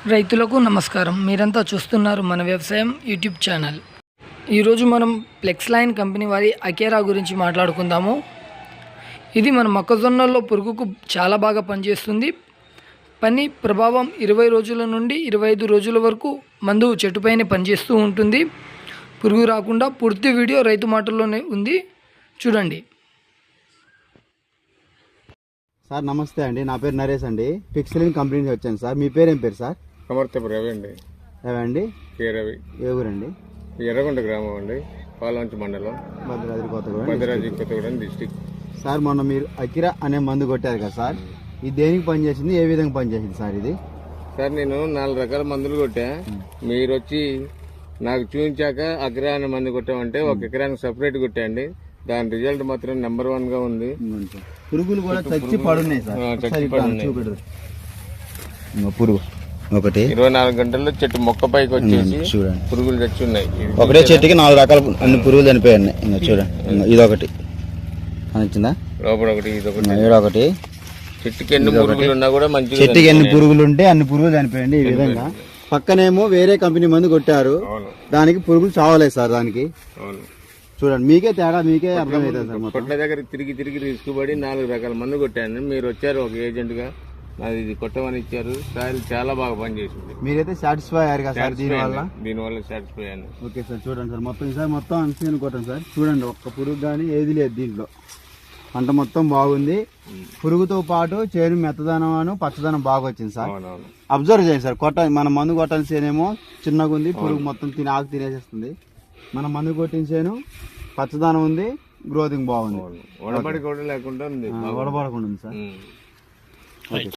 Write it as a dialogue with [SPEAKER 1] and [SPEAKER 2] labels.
[SPEAKER 1] రైతులకు నమస్కారం. మీరంతా చూస్తున్నారు మన వ్యవసాయం యూట్యూబ్ ఛానల్. ఈరోజు మనం ఫ్లెక్స్ లైన్ కంపెనీ వారి అకేరా గురించి మాట్లాడుకుందాము. ఇది మన మొక్కజొన్నల్లో పురుగుకు చాలా బాగా పనిచేస్తుంది. పని ప్రభావం 20 రోజుల నుండి 25 రోజుల వరకు మందు చెట్టుపైనే పనిచేస్తూ ఉంటుంది. పురుగు రాకుండా పూర్తి వీడియో రైతు మాటల్లోనే ఉంది, చూడండి.
[SPEAKER 2] సార్ నమస్తే అండి, నా పేరు నరేష్ అండి. ఫ్లెక్స్ లైన్ కంపెనీ నుంచి వచ్చాను సార్. మీ పేరు ఏం పేరు సార్?
[SPEAKER 3] సమర్థపు రవి అండి.
[SPEAKER 2] రవి అండి.
[SPEAKER 3] రవి
[SPEAKER 2] ఏ ఊరండి?
[SPEAKER 3] ఎర్రగొండ గ్రామం అండి, పాలవంచి మండలం, భద్రాద్రి కొత్తగూడెం డిస్టిక్.
[SPEAKER 2] సార్ మొన్న మీరు అకిరా అనే మందు కొట్టారు కదా సార్, ఇది దేనికి పనిచేసింది, ఏ విధంగా పనిచేసింది సార్ ఇది?
[SPEAKER 3] సార్ నేను 4 రకాల మందులు కొట్టా. మీరు వచ్చి నాకు చూపించాక అకిరా అనే మందు కొట్టామంటే 1 ఎకరానికి సపరేట్ కొట్టాండి. దాని రిజల్ట్ మాత్రం నెంబర్ 1 గా ఉంది.
[SPEAKER 2] పురుగులు కూడా చచ్చి పడున్నాయి సార్. చూపెడరు పురుగు ఒకటి
[SPEAKER 3] 24 గంటల్లో చెట్టు మొక్క పైకి వచ్చేసి
[SPEAKER 2] చూడండి,
[SPEAKER 3] పురుగులు చచ్చి ఉన్నాయి.
[SPEAKER 2] ఒకటే చెట్టుకి 4 రకాల అన్ని పురుగులు చనిపోయాయి. ఇంకా చూడండి, ఇదొకటి నచ్చిందా,
[SPEAKER 3] లోపల ఒకటి, ఇదొకటి,
[SPEAKER 2] ఇదొకటి.
[SPEAKER 3] చెట్టుకి ఎన్ని పురుగులు ఉన్నా కూడా మంచిగా,
[SPEAKER 2] చెట్టుకి ఎన్ని పురుగులు ఉంటే అన్ని పురుగులు చనిపోయండి. ఈ విధంగా పక్కనేమో వేరే కంపెనీ మందు కొట్టారు, దానికి పురుగులు చావలేదు సార్. దానికి చూడండి, మీకే తేడా మీకే అర్థమవుతుంది సార్.
[SPEAKER 3] కొట్ల దగ్గర తిరిగి రిస్క్ పడి 4 రకాల మందు కొట్టాను. మీరు వచ్చారు ఒక ఏజెంట్ గా, నాది ఇది కొట్టమని ఇచ్చారు. సాయిల్ చాలా బాగా పనిచేసింది.
[SPEAKER 2] మీరైతే సాటిస్ఫై అయ్యారు కదా సార్
[SPEAKER 3] దీనివల్ల సాటిస్ఫై అయ్యాను.
[SPEAKER 2] ఓకే సార్, చూడండి సార్, మొత్తం అన్సీన్ కొట్టండి సార్. చూడండి, ఒక్క పురుగు కానీ ఏది లేదు దీంట్లో. పంట మొత్తం బాగుంది. పురుగుతో పాటు చేను మెత్తదనం పచ్చదనం బాగా వచ్చింది సార్. అబ్జర్వ్ చేయండి సార్. మన మందు కొట్టాల్సిన చేనేమో చిన్నగా ఉంది, పురుగు మొత్తం ఆకు తినేసేస్తుంది. మన మందు కొట్టిన చేను పచ్చదనం ఉంది, గ్రోతింగ్ బాగుంది,
[SPEAKER 3] వడబడి కూడా లేకుండా ఉంది,
[SPEAKER 2] వడబడకుండా ఉంది సార్. ఓకే.